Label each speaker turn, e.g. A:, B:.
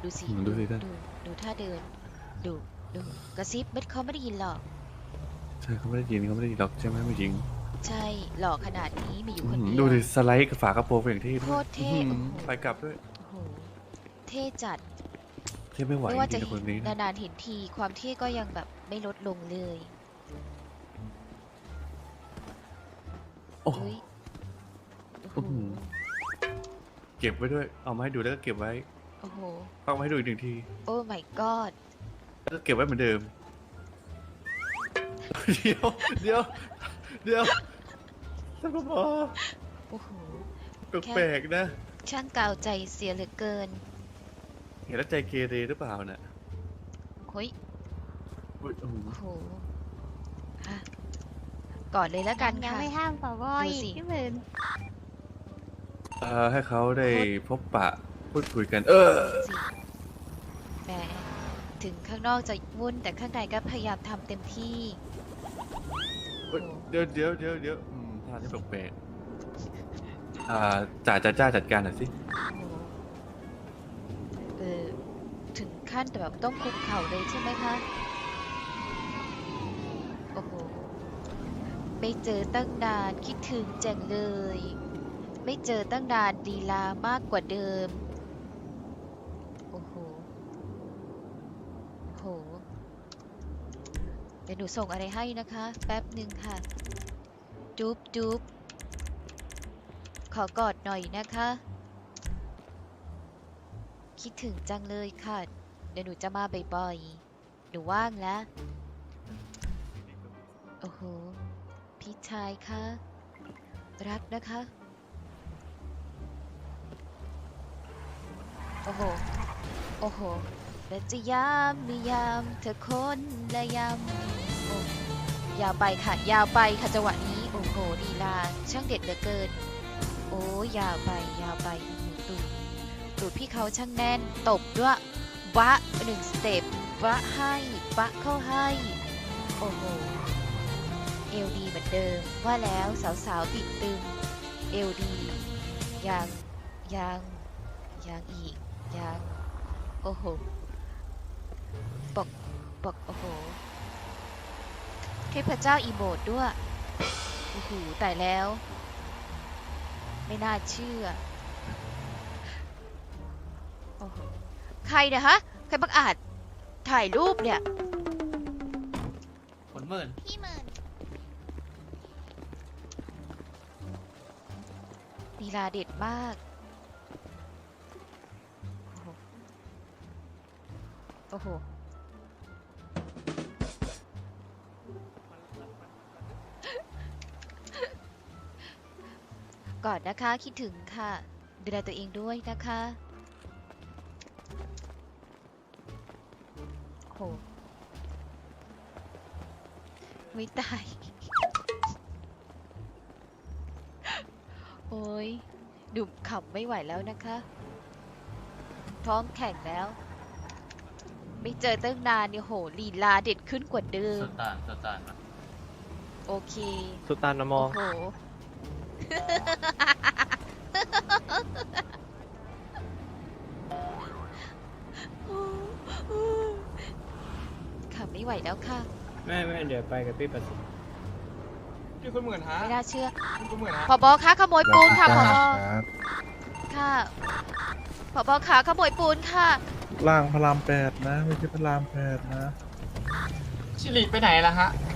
A: ดูสิ
B: ดูสิท่าน
A: ดูท่าเดิน ดูกระซิบเขาไม่ได้ยินหรอก
B: ใช่เขาไม่ได้ยินหรอกใช่ไหมผู้หญิง
A: ใช่หล่อขนาดนี้มีอยู่คนเดียว
B: ดูดิสไลด์กับฝากระโปรงอย่างที่
A: โคตรเท่
B: อื้อหือ
A: โอ้โห
B: ไปกลับด้วย
A: โอ้โหเท่จัด
B: เท่ไม่ไหว
A: ไม่ว่า
B: จ
A: จะ
B: ริงๆนะคนนี้นะ
A: นานๆเห็นทีความเท่ก็ยังแบบไม่ลดลงเลย
B: โอ้โห
A: เฮ้ยโอ้โห
B: อื้อหือ เก็บไว้ด้วยเอามาให้ดูแล้วก็เก็บไว้
A: โอ้โห
B: เอามาให้ดูอีกหนึ่งที
A: โอ้ my god
B: แล้วก็เก็บไว้เหมือนเดิม เดี๋ยวท่านผอ
A: โอ้โห
B: แปลกๆนะ
A: ช่างกาวใจเสียเหลือเกิน
B: เห็นแล้วใจเกเรหรือเปล่าน่ะ
A: เฮ้ย
B: อุ๊ยโอ้โห
A: โอ้โหฮะก่อนเลยแล้วกัน
C: ยัง
A: ค่ะ
C: ไม่ห้ามป่าวอ
A: ดู
C: อี
A: สิ
C: กพี่หมื่น
B: ให้เขาได้พบปะพูดคุยกัน
A: สิแหมถึงข้างนอกจะวุ่นแต่ข้างในก็พยายามทำเต็มที่
B: เฮ้ยเดี๋ยวท่านี้แปลกๆจ่าจัดการหน่อยสิ
A: โอ้โหถึงขั้นแต่แบบต้องคุกเข่าเลยใช่ไหมคะ โอ้โห ไม่เจอตั้งนานคิดถึงจังเลย ไม่เจอตั้งนานลีลามากกว่าเดิม โอ้โห โอ้โห เดี๋ยวหนูส่งอะไรให้นะคะ แป๊บหนึ่งค่ะ จุ๊บจุ๊บขอกอดหน่อยนะคะ คิดถึงจังเลยค่ะ เดี๋ยวหนูจะมาบ่อยๆ หนูว่างแล้ว โอ้โห พี่ชายคะ รักนะคะ โอ้โห โอ้โห และจะยามนิยามเธอคนละยามโอ้ยาวไปค่ะ ยาวไปค่ะจังหวะนี้ โอ้โหลีลาช่างเด็ดเหลือเกิน โอ้ยาวไปตูดพี่เขาช่างแน่น ตบด้วยวะหนึ่งสเต็ปวะให้วะเข้าให้ โอ้โห เอลดีเหมือนเดิม ว่าแล้วสาวๆติดตึง เอลดียังอีกยังโอ้โหบอกโอ้โหเทพเจ้าอีโมดด้วยโอ้โหตายแล้ว ไม่น่าเชื่อโอ้โหใครเนี่ยฮะ ใครบังอาจถ่ายรูปเนี่ย
D: ผลหมื่น
C: พี่หมื่น
A: ลีลาเด็ดมาก โอ้โห ก่อนนะคะ คิดถึงค่ะ ดูแลตัวเองด้วยนะคะโหไม่ตาย โอ้ยดุขำไม่ไหวแล้วนะคะ พร้อมแข่งแล้ว ไม่เจอตั้งนานเนี่ยโหลีลาเด็ดขึ้นกว่าเดิม
D: สตานมา
A: โอเค
E: สุตานมอ
A: โอ้โห ค่ะไม่ไหวแล้วค่ะ
E: แม่เดี๋ยวไปกับพี่ประสิทธิ์
F: พี่คุณหมื่นฮะ
A: ไม่น่าเชื่อ
F: พี่คุณหมื่นฮะ
A: ผบคะขโมยปูนค่ะผบค่ะผบขาขโมยปูนค่ะ
G: ล่างพระราม8นะ ไม่ใช่พระราม8นะ
F: ชิริไปไหนล่ะฮะ